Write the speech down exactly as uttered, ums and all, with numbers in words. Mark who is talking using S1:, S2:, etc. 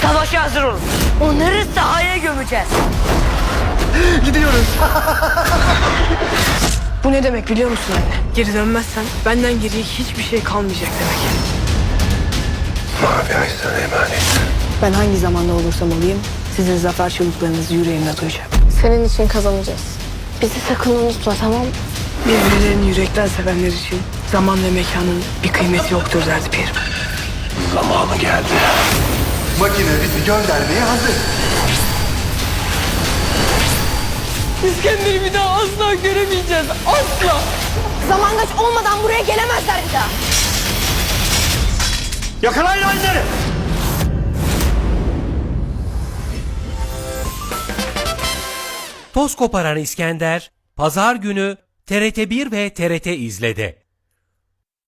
S1: Savaşa hazır olun. Onları sahaya gömeceğiz.
S2: Gidiyoruz.
S3: Bu ne demek biliyor musun anne? Geri dönmezsen benden geriye hiçbir şey kalmayacak demek.
S2: Mavi ay sana emanet.
S3: Ben hangi zamanda olursam olayım sizin zafer çığlıklarınızı yüreğimde duyacağım.
S4: Senin için kazanacağız. Bizi sakın unutma, tamam mı?
S3: Birbirlerini yürekten sevenler için zaman ve mekanın bir kıymeti yoktur derdi Pirim.
S2: Zamanı geldi. Makine bizi göndermeye hazır.
S3: İskender'i bir daha asla göremeyeceğiz. Asla.
S4: Zamangaç olmadan buraya gelemezler bir daha.
S2: Yakalayın onları.
S5: Toz koparan İskender, Pazar günü T R T bir ve T R T İzle'de.